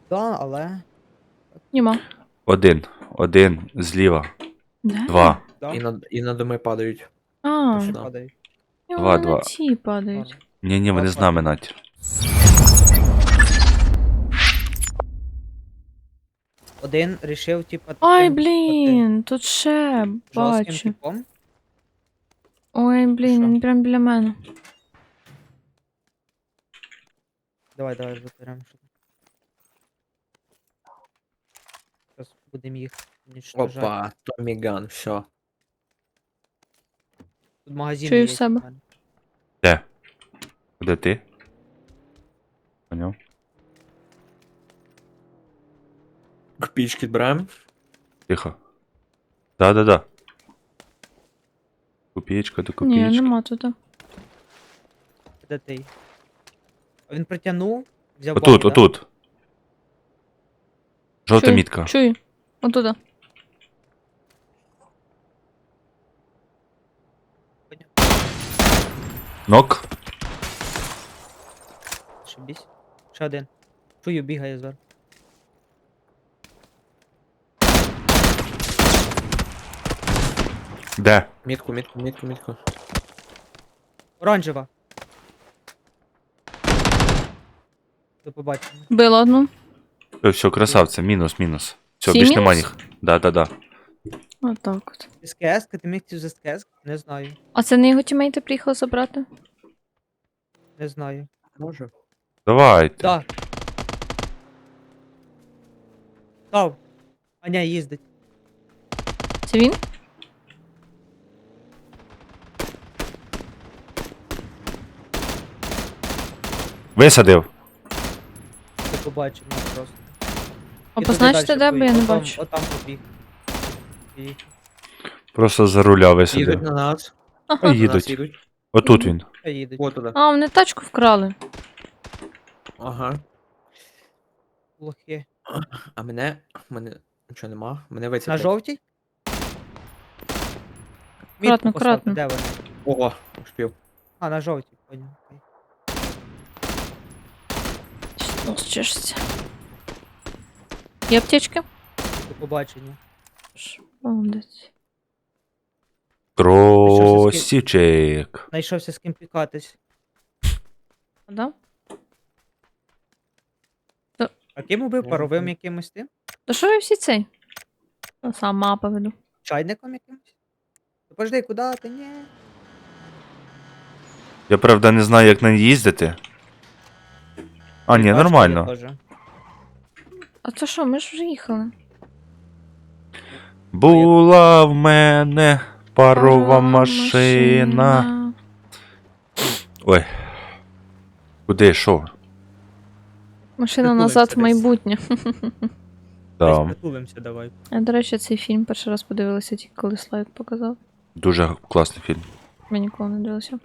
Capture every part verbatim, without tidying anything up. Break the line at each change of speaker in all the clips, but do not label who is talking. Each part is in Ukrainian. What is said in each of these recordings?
Да, але...
Нема.
Один. Один зліва.
Де?
Два.
Да,
І на, і на доми падають.
А,
Ще
ще
да.
падають.
і
Два,
вони
два.
на ці падають.
Ладно.
Ні-ні, вони
Два
з нами,
падають.
Надь.
Один рішив, типа...
Ай,
таким,
блін, тут ще
бути жорстким
бачу.
типом.
Ой, блін,
що?
він прям біля мене.
Давай, давай, заберемо. Зараз будемо їх уничтожати.
Опа, Томіган, все.
Тут магазин
Чую
є.
в себе.
в мене.
Де? Де ти? Поняв?
Копійки берем.
Тихо. Да-да-да. Копієчка до
Ні,
копієчки.
нема тут.
Де ти? А він притягнув, взяв
Отут,
бомбу, да?
отут. Жовта
Чую,
мітка.
Чую. Отуда.
Нок.
Шибісь. Ще один. Чую, бігає зараз.
Де?
Мітку, мітку, мітку, мітку.
Оранжева. До побачення.
Била одну.
Все, все, красавця. Мінус, мінус. Все,
Всі
більш нема
мінус?
їх. Да-да-да.
Отак от.
СКС, ти міг цю з СКС? Не знаю.
А це не його тімейти приїхали забрати?
Не знаю.
Може.
Давайте.
Да. Став. Аня їздить.
Це він?
Висадив.
До побачення просто.
А
І туди
позначте,
дальше
де, бо я не
поїхав. Отам-
бачу.
Отам побіг. Поїхав.
Просто за руля
Їдуть
висадив.
на нас.
Ага.
На нас
Їдуть.
їдуть.
Отут він.
Та їдуть.
От туди.
А, вони тачку вкрали.
Ага.
Лохи.
А мене. Мене нічого нема. Мене вицепить.
На жовтій?
Акуратно,
Мітку поставте,
акуратно.
де вони?
Ого, успів.
А, на жовтій, поняв. Окей.
Що чешеться? Є аптечки?
До побачення.
Ш- Молодець.
Кросівчик.
Знайшовся з ким пікатись.
А, да?
А ким убив?
Може,
Паровим
там-
якимось тим?
Та що ви всі цей? Та сам мапа веду.
Чайником якимось? Та Подожди, куди ти? Ні.
Я правда не знаю, як на ній їздити. А, ні,
Бачите, я
нормально.
теж.
А це що, ми ж вже їхали.
Була в мене парова машина. Ой. Куди, що?
Машина
Притулився
назад в
десь.
майбутнє.
Десь
Там
притулимося, давай.
Я, до речі, цей фільм перший раз подивилася, тільки коли слайд показав.
дуже класний фільм.
Ми ніколи не дивилися.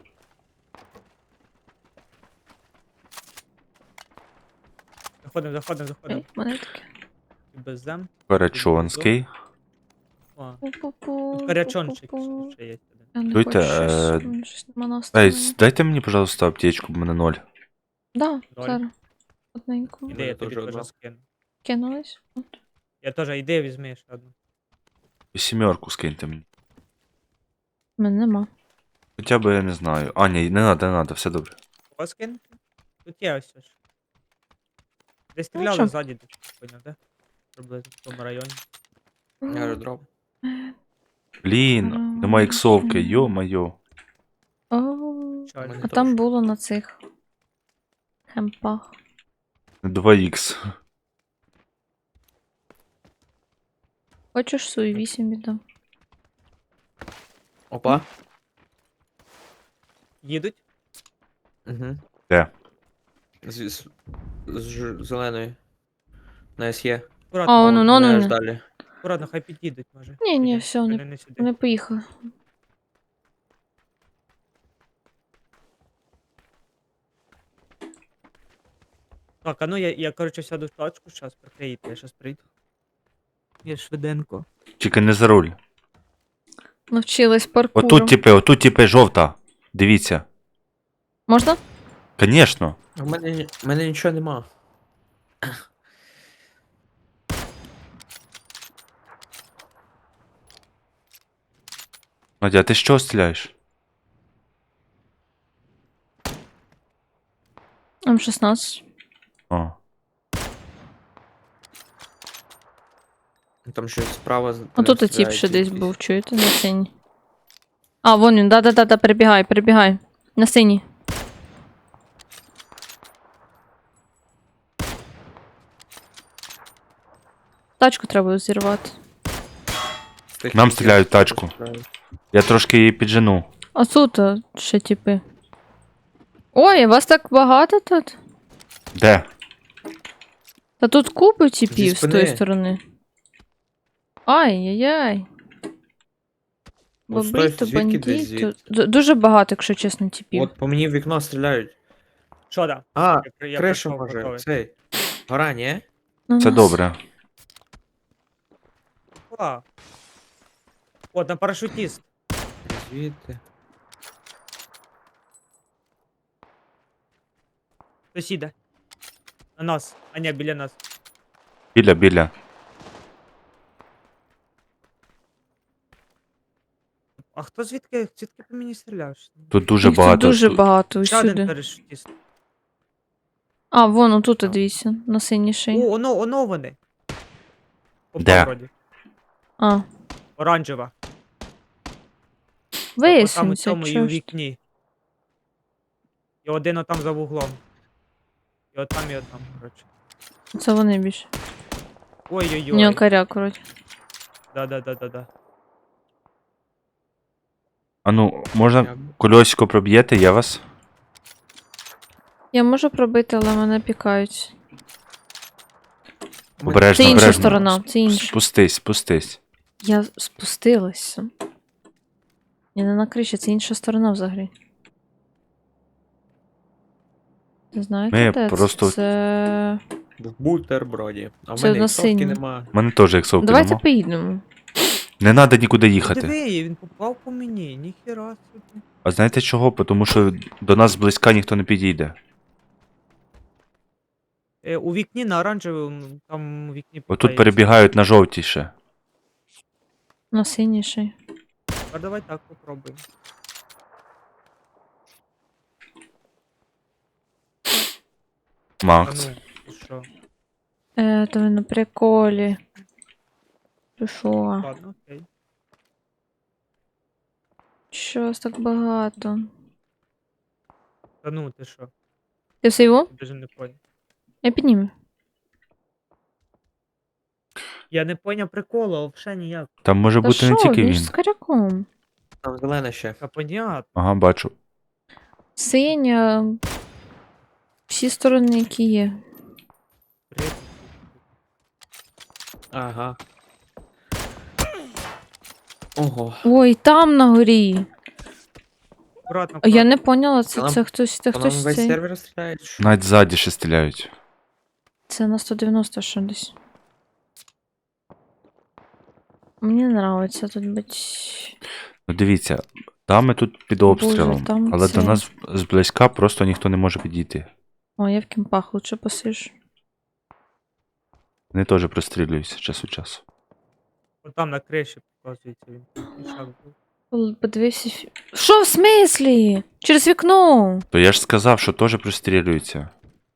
Заходимо, заходимо, заходимо.
Ей, мене таке.
І без зем.
Корячонський.
О,
Пу-пу-пу,
тут корячончик
пу-пу-пу.
ще є.
Я не
Чуєте,
хочу щось,
е,
у мене щось нема
Ей,
настрою.
дайте мені, пожалуйста, аптечку, в мене ноль.
Да,
Ноль.
зараз. Одненько.
Іди, я
Мене
тобі
теж
теж
одна.
скину.
Кинулись. От.
Я теж, іди, візьми ще одну.
Сімерку скиньте мені.
У мене нема.
Хоча б я не знаю. А, ні, не надо, не надо, все добре.
Кого скинути? Тут є ось ж. Десь
Ну,
стріляли
що?
ззаді, десь, поняв, да? Приблизно в тому районі.
Аеродром.
Блін, нема іксовки, йо-майо.
О,
Чаль.
Мене
а
теж.
там було на цих хемпах.
два ікс.
Хочеш свою вісім віддам?
Опа.
Їдуть?
Угу.
Де?
З, з, з ж- зеленої. На СЄ.
Акуратно,
А, ну, ну,
Не
ну,
аж
ну.
далі.
акуратно, хай під'їдуть, може.
Ні, ні,
Піде.
все, вони,
Вони не сюди.
вони поїхали.
Так, а ну я, я коротше, сяду в тачку, зараз прикриєте, я зараз прийду. Я швиденько.
Тільки не за руль.
Навчилась паркуру.
Отут типи, отут типи жовта. Дивіться.
Можна?
Конечно.
У мене, ні- у мене нічого нема.
Надя, а ти з чого стріляєш?
М шістнадцять.
О.
Там щось справа. з-
А тут і тіп
стріляють
ще десь
якісь.
був, чуєте, на синій. А, вон він, да-да-да, перебігай, перебігай. На синій. Тачку треба зірвати.
З тих
Нам
типів
стріляють в
теж
тачку.
стріляють.
Я трошки її піджену.
А тут а, ще типи. Ой, вас так багато тут?
Де?
Та тут купи типів з
спини.
тої сторони. Ай-яй-яй.
От стой,
Бобрито,
звідки десь
бандito.
звідти?
Д- Дуже багато, якщо чесно, типів.
От по мені в вікно стріляють.
Що да?
А,
Я при- я
кришу
прийшов,
може.
готовий.
Цей. Гора, ні?
На
Це
нас.
добре.
А. От, на парашутіст.
Звідти.
Сусіда. На нас. А ні, біля нас.
Біля, біля.
А хто звідки, звідки по мені стріляв?
Тут дуже
Їх тут
багато.
дуже
Тут-
багато
Ще один
усюди.
парашутіст.
А, вон, отут, дивіться, на синій шиї.
О, оно, оно вони. Попав
Де?
вроді.
А,
Оранжева. Отам у
вияснюється,
цьому і у
чого ж.
вікні. І один отам за вуглом. І отам, і отам, коротше.
Це вони більше. У нього
Ой-ой-ой.
коряк, вроді.
Да-да-да-да-да.
А ну, можна
Я-
кольосико проб'єте, я вас?
Я можу пробити, але мене пікають.
Обережно,
Це інша
обережно.
сторона, це інша.
Спустись, спустись.
Я спустилася. Я не на криші, це інша сторона взагалі. Не знаєте,
Ми
де це?
просто-
Це...
В бутерброді. А в
Це
мене
на
іксовки
синій.
нема.
У мене теж як совки
Давайте
нема.
поїдемо.
Не треба нікуди їхати.
Диви, він попав по мені, ніхіра собі.
А знаєте чого? Тому що до нас зблизька ніхто не підійде.
Е, у вікні на оранжевому, там у вікні
Отут
пікається.
перебігають на жовтіше.
На синій шиї.
А давай так попробуємо. А
Макс.
ну, ти що?
Е, то ви на приколі. Ти шо?
Ладно, окей.
Що вас так багато?
Та ну, ти що?
Ти все його?
Я даже не поняв.
Я підніму.
Я не поняв приколу, взагалі ніяк.
Там може
Та
бути не
що,
тільки
він
він.
ж з коряком.
Там зелена ще.
Та понятно.
Ага, бачу.
Синя. Всі сторони, які є.
Привіт.
Ага. Ого.
Ой, там на горі.
Аккуратно,
А я
аккуратно.
не поняла, це,
Та нам-
це хтось, це
По нам
хтось
весь
цей.
сервер стріляють? чи що?
Навіть ззаді ще стріляють.
Це на сто дев'яносто що десь. Мені нравиться тут бути.
Ну дивіться, там ми тут під обстрілом,
там
але
це-
до нас зблизька просто ніхто не може підійти.
О, я в кімпах лучше посижу.
Вони теж прострілюються час від часу.
От там на криші показується він. Ішак був.
Л- Подивився. фі- Що в смислі? Через вікно.
То я ж сказав, що теж прострілюються.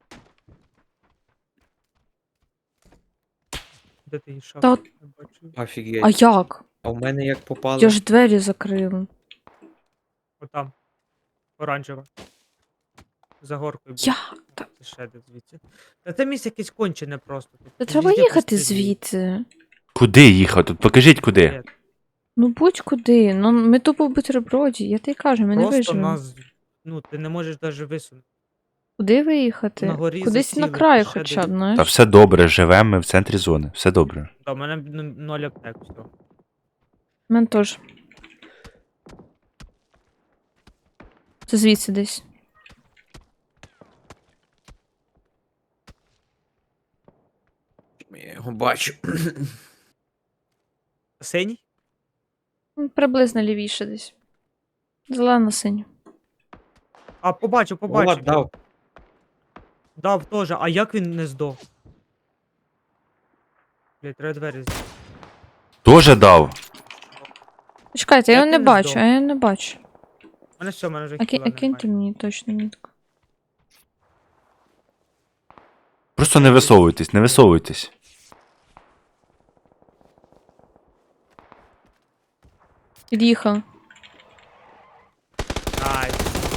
Де ти ішак?
Та от-
Не бачу.
Офігеть.
А як?
А в мене як попало.
Я ж двері закрила.
Отам. Оранжева. За горкою. був.
Як? Та,
Це ще де звідси. Та це місце якесь кончене просто. Тут
та треба
везде
їхати
прострілюють.
звідси.
Куди їхати? Тут покажіть куди.
Ні,
Ну будь-куди. Ну ми тупо в бутерброді. Я тобі кажу, ми не
Просто
виживемо.
нас. Ну, ти не можеш навіть висунути.
Куди виїхати?
На горі
Кудись
засіли,
на краю
ще
хоча б,
десь.
знаєш.
Та все добре, живемо ми в центрі зони. Все добре.
Та, у мене ну, ноль аптек, все.
У мене теж. Це звідси десь.
Я його бачу.
Синій?
Ну, приблизно лівіше десь. Зелена синя.
А, побачив,
Влад
побачив.
дав.
Дав теж. А як він не здох? Блять, треба двері з-
Тоже дав.
Чекайте, я
Як
його не
він не
бачу,
здох?
а я не бачу.
У мене все, у мене вже
А, ки-
хіла
а киньте
немає.
мені точно нітку.
Просто не висовуйтесь, не висовуйтесь.
Під'їхав.
Ай,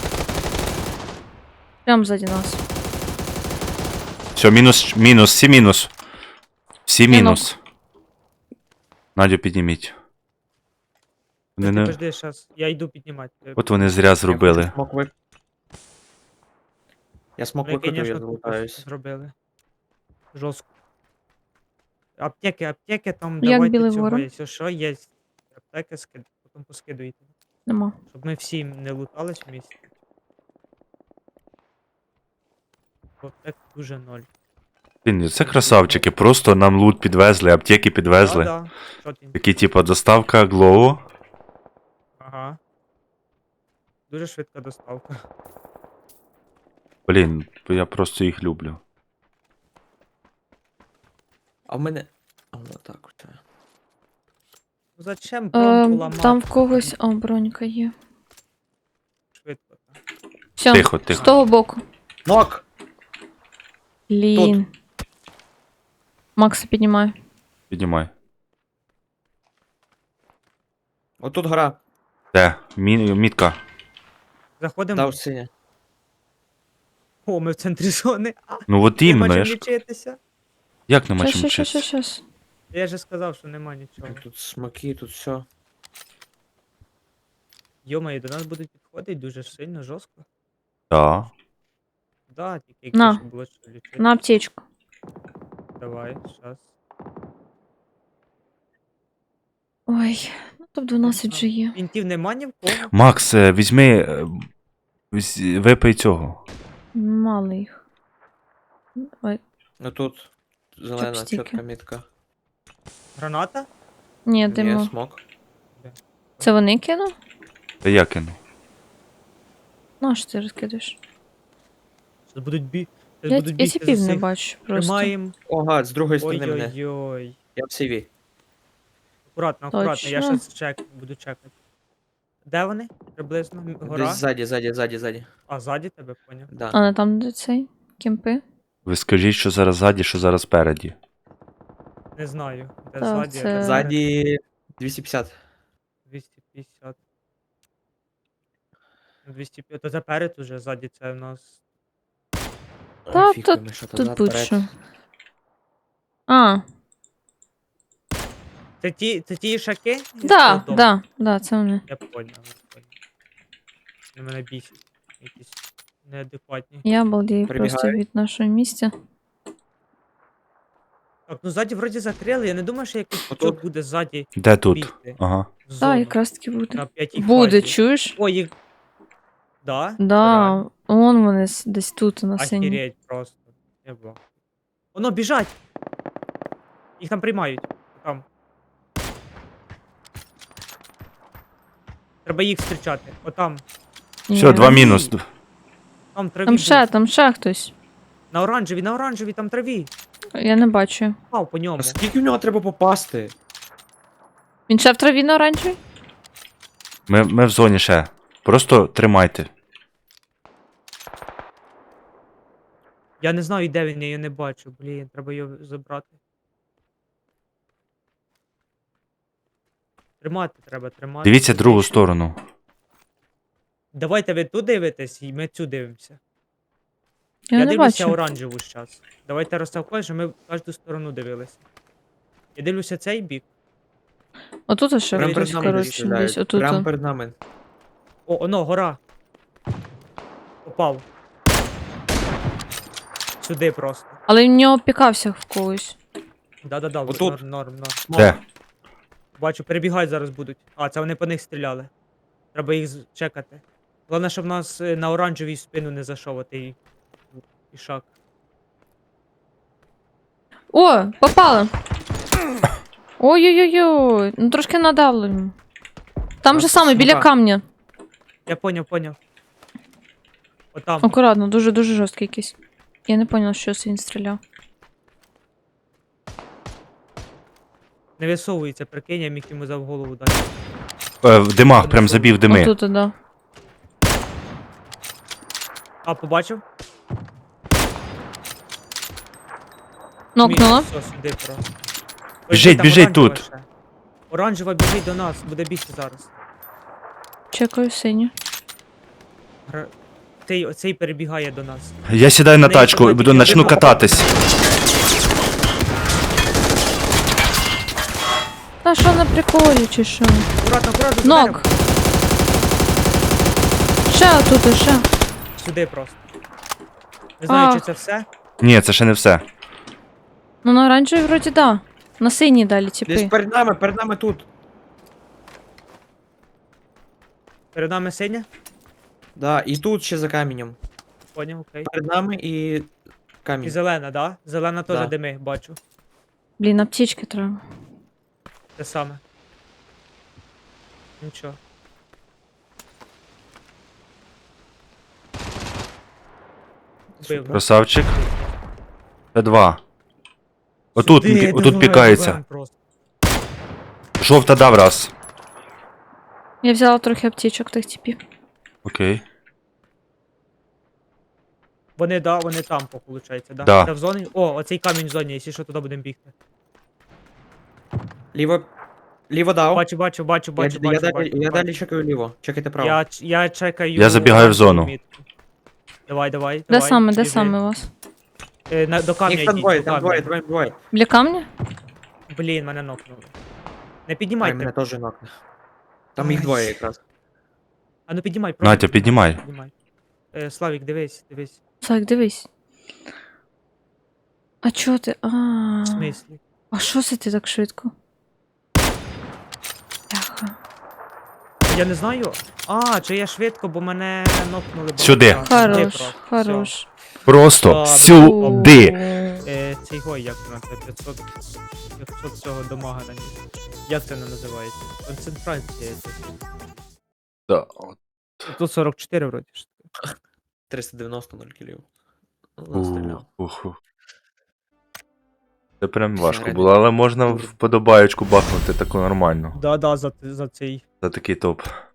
Прямо ззаді нас.
Все, мінус, мінус, всі мінус. Всі
Мінус.
мінус. Надю, підніміть. Вони
ти
не...
подожди, щас, я йду піднімати.
От вони зря зробили.
Я смок вип... Я смок
Ви,
викотив, я
конечно, тупо
залутаюсь.
зробили. Жорстко. Аптеки, аптеки там
Як
давайте
білий
цього,
ворон?
якщо що, є аптеки, скид... потім поскидуйте.
Нема.
Щоб ми всі не лутались в місті. Бо аптек дуже ноль.
Блін, це красавчики, просто нам лут підвезли, аптеки підвезли.
Да, да. Що ти?
Такі, типа, доставка Глоу.
Ага. Дуже швидка доставка.
Блін, я просто їх люблю.
А в мене... А, отак от.
Ну зачем бронку
Е,
ламати?
там в когось. О, бронька є.
Швидко так.
Все,
Тихо,
з
тихо.
того боку.
Нок!
Блін. Макса піднімає.
Піднімай.
Отут гора.
Де? Мі... Мітка.
Заходимо.
Дав синя.
О, ми в центрі зони. А,
Ну от
нема
іменно,
чим
я ж...
лічитися.
Як нема
Щас,
чим
щас, щас,
вчитися?
щас.
Я же сказав, що нема нічого.
Тут смоки, тут все.
Йомаю, до нас будуть підходити дуже сильно, жорстко.
Так.
Да, тільки
На.
якщо було що лічити.
На аптечку.
Давай, щас.
Ой, ну топ дванадцять вже є.
Інтів нема ні в кого.
Макс, е, візьми. е, візь- Випий цього.
Мало їх. Ой,
Ну тут зелена
Чопстики.
чітка мітка.
Граната?
ні,
Є
димо.
смок.
Це вони кинув?
Та я кину.
Ну, що ти розкидаєш?
Щас будуть бі... щас
Я,
будуть
я
бігти
тіпів
за
не
цих.
бачу просто.
О,
Тримаємо.
гад, з другої сторони мене.
Ой-ой-ой.
Я в сиві.
Акуратно, акуратно, я
Точно.
щас чек, буду чекати. Де вони? Приблизно? М- Гора?
Десь ззаді, ззаді, ззаді, ззаді.
А, ззаді тебе, поняв.
Да.
А не там де цей? Кемпи?
Ви скажіть, що зараз ззаді, що зараз спереді.
Не знаю. Де
Так,
ззаді, а
це-
де
Ззаді двісті п'ятдесят.
двісті п'ятдесят. двісті п'ятдесят. То заперед уже, ззаді це в нас.
Та,
Ой, фіг
тут-
пойми, що то
Тут
назад,
будь-що.
вперед.
А,
Це ті, це ті ішаки? із
да,
того дому?
да, да, це вони.
Я поняв, я поняв. Вони мене бісять. Якісь неадекватні.
Я балдію просто
Прибігають.
від нашого місця.
Так, ну ззаді вроді закрили, я не думаю, що якийсь
Отут.
пучок буде ззаді
Де тут?
бігти.
Ага.
В
Так,
зону.
якраз таки буде.
На п'ятій
Буде,
фазі.
чуєш?
Ой, їх. Да?
Да, вон вони с- десь тут на синій.
Охереть просто. Я бах. Воно біжать! Їх там приймають. Там. Треба їх зустрічати. Отам.
Все,
Ні.
два мінус.
Там траві.
Там
був.
ще, там ще хтось.
На оранжевій, на оранжевій, там траві.
Я не бачу.
Пав по ньому.
А скільки в нього треба попасти?
Він ще в траві на оранжевій?
Ми, ми в зоні ще. Просто тримайте.
Я не знаю, де він, я його не бачу. Блін, треба його забрати. Тримати треба, тримати.
Дивіться другу сторону.
Давайте ви тут дивитесь, і ми цю дивимося.
Я,
Я,
не
дивлюся
бачу.
оранжеву зараз. Давайте розставкою, щоб ми в кожну сторону дивилися. Я дивлюся цей бік.
Отут ще
Прям
хтось,
перед нами
коротше,
стріляють.
десь отут.
Прямо перед нами.
О, оно, гора. Попав. Сюди просто.
Але він в нього пікався в когось.
Да-да-да,
Отут.
норм, норм, норм.
Де?
Бачу, перебігають зараз будуть. А, це вони по них стріляли. Треба їх з- чекати. Головне, щоб в нас е, на оранжевій спину не зайшов отий ішак.
О, попали! Ой-ой-ой, ну трошки надавлю йому. Там же
Нас
саме, біля
смока.
камня.
Я поняв, поняв. Отам.
Акуратно, дуже-дуже жорсткий якийсь. Я не поняла, що це він стріляв.
Не висовується, прикинь, я міг йому за в голову дати.
Е, в димах, прям забів дими.
Отут, да.
А, побачив?
Нокнула.
Все, сюди просто. Ой,
Біжить,
там
біжить
оранжева
тут.
ще. Оранжева біжить до нас, буде бігти зараз.
Чекаю синю.
Гра- Цей, оцей перебігає до нас.
Я сідаю на
Не,
тачку і
давайте,
буду
я
начну
вибухав.
кататись.
Та що на приколі, чи що?
Аккуратно, аккуратно, за
Нок.
деревом.
Ще отут, ще.
Сюди просто. Не знаю,
А.
чи це все.
Ні, це ще не все.
Ну на оранжевій вроді да. На синій далі,
Десь
типи.
перед нами, перед нами тут.
Перед нами синя.
Да, і тут ще за каменем.
Поняв, окей.
Перед нами і
І
камінь.
зелена, да? Зелена теж
Да.
дими, бачу.
Блін, аптечки треба.
Те саме. Нічого. Вбив.
Красавчик. Це два. Отут,
Сюди,
пі- отут
давай,
пікається.
давай просто.
Жовта дав раз.
Я взяла трохи аптечок тих типів.
Окей.
Вони, да, вони там, виходить, да?
Да.
Це в зоні. О, оцей камінь в зоні, якщо що, туди будемо бігти.
Ліво. Ліво дав.
Бачу, бачу, бачу,
Я,
бачу,
я,
бачу,
далі,
бачу,
я
бачу.
далі чекаю ліво. Чекайте право.
Я, ч- я чекаю.
Я забігаю в
оранжеву
зону.
мітку. Давай, давай,
Де
давай.
саме, де
біжи.
саме у вас?
Е, на, до камня
Їх там
йдіть,
двоє,
до
там
камня.
двоє, двоє, двоє.
Біля камня?
Блін, мене нокнули. Не
Ай,
піднімайте.
мене теж нокне. Там їх
Ай.
двоє якраз.
А ну піднімай,
Натя, піднімай.
піднімай. Е, Славік, дивись, дивись.
Так, дивись. А чого ти? А.
В смислі?
А що це ти так швидко? Бляха.
Я не знаю. А, чи я швидко, бо мене нокнули. багато
Сюди.
разів. Сюди
Хорош,
просто.
хорош.
Просто
Ладно.
сюди.
Е, цей гой, як на це п'ятсот, п'ятсот цього дамага на ній. Як це не називається? Концентрація. це.
Да.
Тут сорок чотири вроді ж.
триста дев'яносто нуль кілів.
Ух, ух, ух. Це прям важко
Всередині.
було, але можна вподобаєчку бахнути таку нормально.
Да, да, за, за цей.
За такий топ.